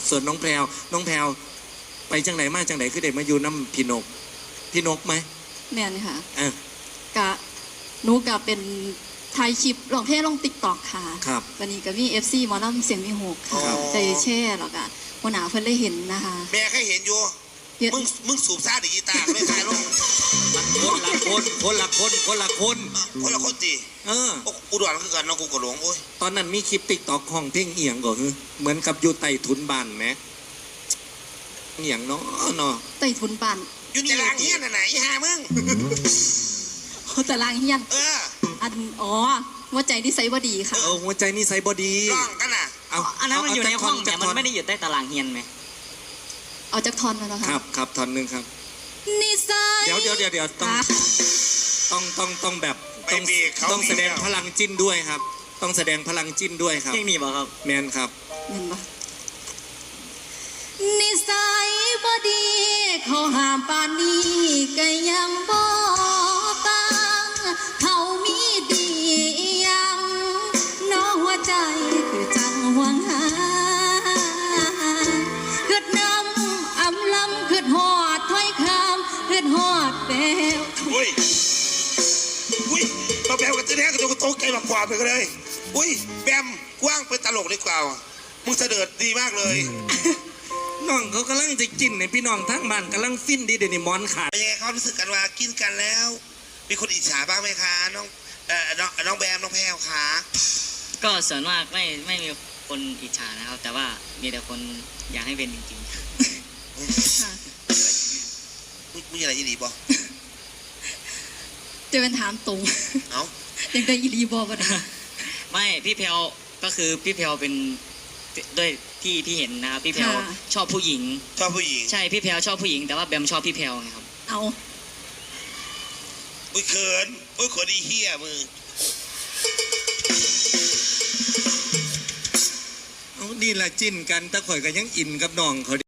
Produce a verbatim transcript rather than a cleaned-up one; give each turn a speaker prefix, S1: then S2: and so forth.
S1: ส่วนน้องแพรวน้องแพรวไปจังไหนมาจังไหนคือเด็กมาอยู่น้ำพี่นกพี่นกไหม
S2: แม่นค่ะ
S1: เอ
S2: อกะหนูกะเป็นไทยคลิปลองเพลงลงติ๊กต็อกค่ะ
S1: ครับ
S2: วันนี้ก็มีเอฟซีหมอลำเสียงมีหกค่ะใจแช่หรอกอะหัวหน้าเพิ่นได้เห็นนะคะ
S3: แม่เคยเห็นอยู่มึงมึงสูบซ่าดิกีตาร์ไม่ใช่ลง
S1: มันคนละคนคนละคนคนละคน
S3: คนละคนตี
S1: เออ
S3: อุดรคือกันน้องกูกระหลงโอ้ย
S1: ตอนนั้นมีคลิปติ๊กต็อกของเพลงเอียงก็คือเหมือนกับอยู่ใต้ทุนบ้านไหมเอียงเนาะเนาะ
S2: ใต้ทุนบ้าน
S3: อยู่ตารางเฮียนไหนอีห่ามึง
S2: โอ้ตารางเฮียน
S3: เออ
S2: อันอ๋อหัวใจนิสัยบ่ดีค่ะ
S1: เออหัวใจนิสัยบ่ดี
S3: ร้องกันน่ะ
S4: เอาอันนั้นมันอยู่ในห้องแต่มันไม่ได้อยู่ใต้ตารางเฮียนไหม
S2: เอาจากทอนมาแล้วค่ะ
S1: ครับครับทอนหนึ่งครับ
S2: นิสัย
S1: เดี๋ยวเดี๋ยวเดี๋ยวเดี๋ยวต้องต้องต้องต้องแบบต้องต้องแสดงพลังจิ้นด้วยครับต้องแสดงพลังจิ้นด้วยครับ
S4: เพลงนี้บ่ครับ
S1: แมนครับ
S2: แมนบ่นิสัยบ่ดีเขาห้ามปานนี้ก็ยังบ่ฟังเขามีดียังน้องหัวใจคือจังหวงหาคืดน้ำอำลำคืดหอดถ้อยคำคืดหอดแปว
S3: อุ้ยอุ้ยมาแบมกันจะแน่ก็จะโตไกลมากกว่าไปก็เลยอุ้ยแบมกว้างเป็นตลกเลยกว่ามึงเสด็จดีมากเลย
S1: น้องเขากำลังจะกินในพี่น้องทั้งบ้านกำลังฟินดีเดี๋ยวนี้มอนขาด
S3: เป็นยังไงเขารู้สึกกันว่ากินกันแล้วมีคนอิจฉาบ้างไหมคะน้องเอ่อน้องน้องแบมน้องแพรวคะ
S4: ก็ส่วนมากไม่ไม่มีคนอิจฉานะครับแต่ว่ามีแต่คนอยากให้เป็นจริงๆ
S3: มีอะไรอีหลีบอ
S2: จะเป็นถามตรง
S3: เอ้า
S2: ยังได้อีหลีบอกัน
S4: ไม่พี่แพรวก็คือพี่แพรวเป็นด้วยที่พี่เห็นนะครับพี่แพรวชอบผู้หญิง
S3: ชอบผู้หญิง
S4: ใช่พี่แพรวชอบผู้หญิงแต่ว่าแบมชอบพี่แพรวนะครับ
S2: เอา
S3: อุ้ยเขินอุ้ยขอดีเฮียมือ
S1: เอานี่แหละจิ้นกันตะข่อยกันยังอินกับน้องเขา